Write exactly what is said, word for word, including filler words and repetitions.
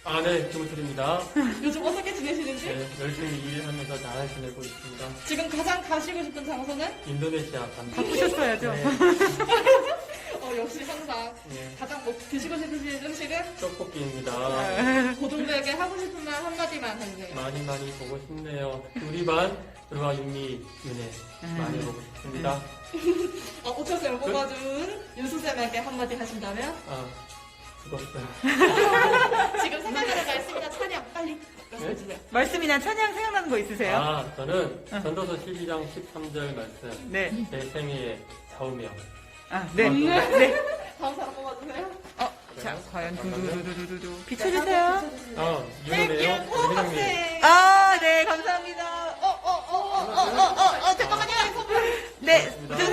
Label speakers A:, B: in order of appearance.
A: 아, 네, 김우철입니다.
B: 요즘 어떻게 지내시는지?
A: 네, 열심히 일하면서 잘 지내고 있습니다.
B: 지금 가장 가시고 싶은 장소는?
A: 인도네시아 갑니다.
C: 바쁘셨어야죠.
A: 네,
B: 어, 역시 항상
A: 네,
B: 가장 뭐 드시고 싶으신 음식은?
A: 떡볶이입니다.
B: 고동들에게 하고 싶은 말 한마디만 해주세요.
A: 많이 많이 보고 싶네요. 우리 반 들어와 윤미 윤혜 많이 보고 싶습니다.
B: 어, 오철쌤을 뽑아준 윤수쌤에게 한마디 하신다면?
A: 아, 죽었어요.
B: 지금 생각나는 말씀이나 차량 빨리 말씀해주세요.
C: 말씀이나 찬양 생각나는 거 있으세요?
A: 아, 저는 전도서 십이 장 십삼 절 말씀.
C: 네.
A: 제 생애의 좌우명.
C: 아, 네.
A: 아,
C: 네.
B: 다음 사람 뽑아주세요.
C: 어, 자, 과연 두두두두두두. 비춰주세요.
A: 아, 윤혜네요.
B: 땡큐,
A: 우리 회장님.
B: 학생.
C: 아, 네, 감사합니다.
B: 어, 어, 어, 어, 어, 어, 어, 어, 잠깐만요.
C: 네,
A: 고맙습니다.